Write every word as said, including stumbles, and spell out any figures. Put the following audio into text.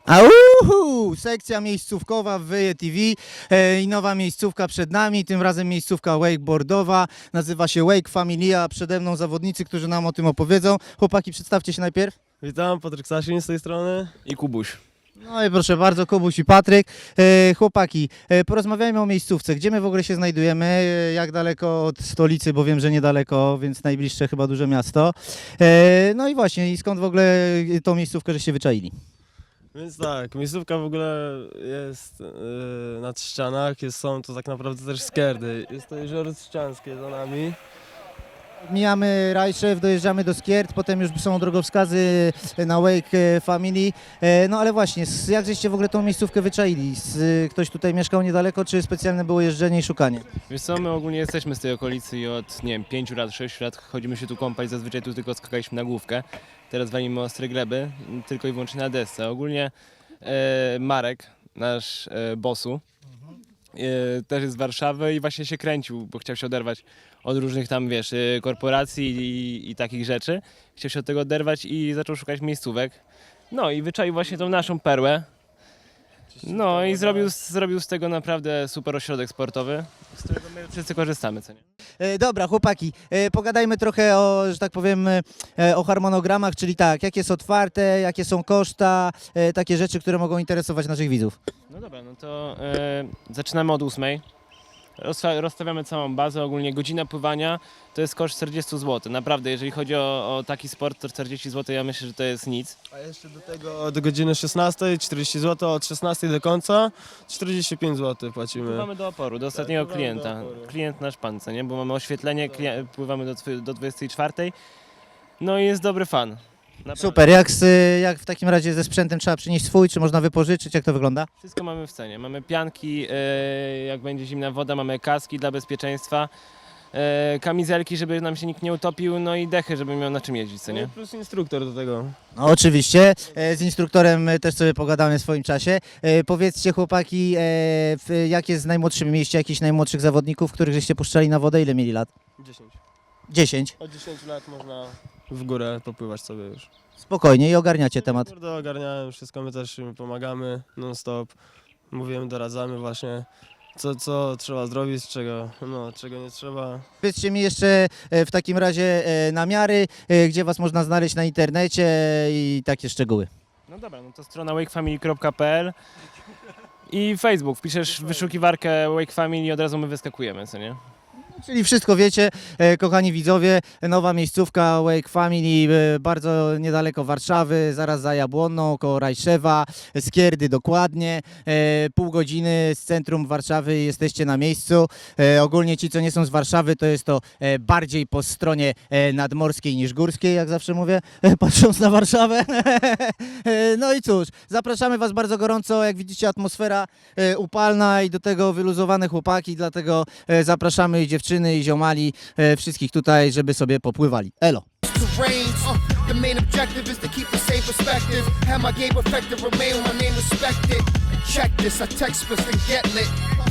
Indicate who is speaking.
Speaker 1: Auhu! Sekcja miejscówkowa w Wyje T V e, i nowa miejscówka przed nami, tym razem miejscówka wakeboardowa, nazywa się Wake Familia, przede mną zawodnicy, którzy nam o tym opowiedzą. Chłopaki, przedstawcie się najpierw.
Speaker 2: Witam, Patryk Sasin z tej strony i Kubuś.
Speaker 1: No i proszę bardzo, Kubuś i Patryk. E, chłopaki, e, porozmawiajmy o miejscówce, gdzie my w ogóle się znajdujemy, e, jak daleko od stolicy, bo wiem, że niedaleko, więc najbliższe chyba duże miasto. E, no i właśnie, i skąd w ogóle tą miejscówkę żeście wyczaili?
Speaker 2: Więc tak, miejscówka w ogóle jest yy, na ścianach, jest, są to tak naprawdę też skierdy. Jest to jezioro Trzcianskie za nami.
Speaker 1: Mijamy Rajszew, dojeżdżamy do Skiert, potem już są drogowskazy na Wake Family. E, No ale właśnie, s- jak żeście w ogóle tą miejscówkę wyczaili? S- Ktoś tutaj mieszkał niedaleko, czy specjalne było jeżdżenie i szukanie?
Speaker 3: Wiesz co, my ogólnie jesteśmy z tej okolicy i od, nie wiem, pięciu lat, sześciu lat chodzimy się tu kąpać, zazwyczaj tu tylko skakaliśmy na główkę. Teraz walimy ostre gleby, m, tylko i wyłącznie na desce. Ogólnie e, Marek, nasz e, bossu, e, też jest z Warszawy i właśnie się kręcił, bo chciał się oderwać od różnych tam, wiesz, e, korporacji i, i takich rzeczy. Chciał się od tego oderwać i zaczął szukać miejscówek. No i wyczaił właśnie tą naszą perłę. No i zrobił, zrobił z tego naprawdę super ośrodek sportowy, z którego my wszyscy korzystamy, co nie?
Speaker 1: E, Dobra, chłopaki, e, pogadajmy trochę o, że tak powiem, e, o harmonogramach, czyli tak, jakie są otwarte, jakie są koszta, e, takie rzeczy, które mogą interesować naszych widzów.
Speaker 3: No dobra, no to e, zaczynamy od ósmej. Rozsta- Rozstawiamy całą bazę, ogólnie godzina pływania to jest koszt czterdzieści złotych. Naprawdę, jeżeli chodzi o, o taki sport, to czterdzieści złotych ja myślę, że to jest nic.
Speaker 2: A jeszcze do tego do godziny szesnastej czterdzieści złotych, od szesnastej do końca czterdzieści pięć złotych płacimy.
Speaker 3: Pływamy do oporu, do ostatniego
Speaker 2: pływamy do
Speaker 3: klienta.
Speaker 2: oporu.
Speaker 3: Klient nasz pan, co nie? Bo mamy oświetlenie, klien- pływamy do, twy- do dwudziestej czwartej. No i jest dobry fan. Naprawdę.
Speaker 1: Super, jak, z, jak w takim razie ze sprzętem trzeba przynieść swój, czy można wypożyczyć, jak to wygląda?
Speaker 3: Wszystko mamy w cenie. Mamy pianki, e, jak będzie zimna woda, mamy kaski dla bezpieczeństwa, e, kamizelki, żeby nam się nikt nie utopił, no i dechy, żeby miał na czym jeździć, co
Speaker 2: No i
Speaker 3: nie?
Speaker 2: plus instruktor do tego.
Speaker 1: No, oczywiście, e, z instruktorem e, też sobie pogadamy w swoim czasie. E, Powiedzcie chłopaki, e, w, jak jest z najmłodszym mieście, jakichś najmłodszych zawodników, których żeście puszczali na wodę, ile mieli lat?
Speaker 2: dziesięć.
Speaker 1: dziesięć.
Speaker 2: Od dziesięciu lat można w górę popływać sobie już.
Speaker 1: Spokojnie i ogarniacie temat.
Speaker 2: Kurde, ogarniałem wszystko, my też im pomagamy non stop. Mówimy, doradzamy właśnie, co, co trzeba zrobić, czego, no, czego nie trzeba.
Speaker 1: Powiedzcie mi jeszcze e, w takim razie e, namiary, e, gdzie was można znaleźć na internecie e, i takie szczegóły.
Speaker 3: No dobra, no to strona wakefamily kropka p l i Facebook. Wpiszesz w wyszukiwarkę Wake Family i od razu my wyskakujemy, co nie?
Speaker 1: Czyli wszystko wiecie, e, kochani widzowie, nowa miejscówka Wake Family, e, bardzo niedaleko Warszawy, zaraz za Jabłonną, koło Rajszewa, Skierdy dokładnie, e, pół godziny z centrum Warszawy jesteście na miejscu. E, ogólnie ci, co nie są z Warszawy, to jest to e, bardziej po stronie e, nadmorskiej niż górskiej, jak zawsze mówię, e, patrząc na Warszawę. E, no i cóż, zapraszamy was bardzo gorąco, jak widzicie atmosfera e, upalna i do tego wyluzowane chłopaki, dlatego e, zapraszamy i dziewczyny, i ziomali, e, wszystkich tutaj, żeby sobie popływali. Elo!
Speaker 4: terrains. Uh, the main objective is to keep the same perspective. Have my game effective, remain with my name respected. Check this, I text and get lit.